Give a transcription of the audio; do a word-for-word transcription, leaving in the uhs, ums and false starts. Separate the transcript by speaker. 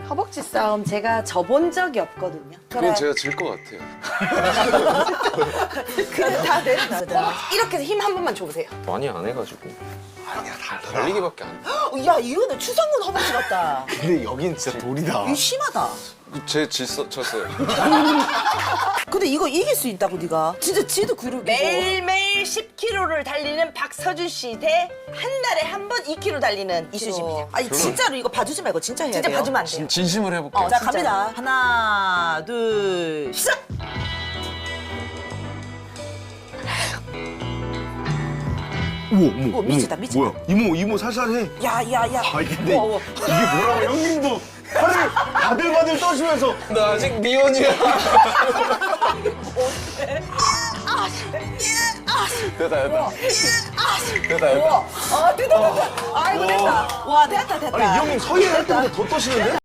Speaker 1: 허벅지 싸움 제가 져본 적이 없거든요.
Speaker 2: 그건 제가 질 것 같아요.
Speaker 1: 그래도 다 됐다. 허벅지 이렇게 해서 힘 한 번만 줘보세요.
Speaker 2: 많이 안 해가지고. 아니야, 달리기밖에 안 돼.
Speaker 3: 야 이거는 추상군 허벅지 같다.
Speaker 4: 근데 여긴 진짜 돌이다.
Speaker 3: 이거 심하다.
Speaker 2: 제 질서 쳤어요.
Speaker 3: 근데 이거 이길 수 있다고 네가. 진짜 지도 그룹이고.
Speaker 1: 매일매일 십 킬로미터를 달리는 박서준 씨 대 한 달에 한 번 이 킬로미터 달리는 이수지입니다.
Speaker 3: 아니 진짜로 이거 봐주지 말고 진짜 해야
Speaker 1: 진짜
Speaker 3: 돼요.
Speaker 1: 봐주면 안 돼요.
Speaker 2: 진심을 해볼게요.
Speaker 3: 어, 자 갑니다. 하나 둘 시작.
Speaker 4: 우와, 우와,
Speaker 3: 어, 미치다, 미치다.
Speaker 4: 뭐야? 이모, 이모 살살해.
Speaker 3: 야야야.
Speaker 4: 아 근데
Speaker 3: 우와, 우와.
Speaker 4: 이게 뭐라고 형님도 팔을 바들바들 떠시면서
Speaker 2: 나 아직 미혼이야. 됐다, 됐다. 됐다, 됐다.
Speaker 3: 어 됐다 됐다. 아이고 됐다. 와 됐다 됐다.
Speaker 4: 아니 이 형님 서예 할 때보다 더 떠시는데?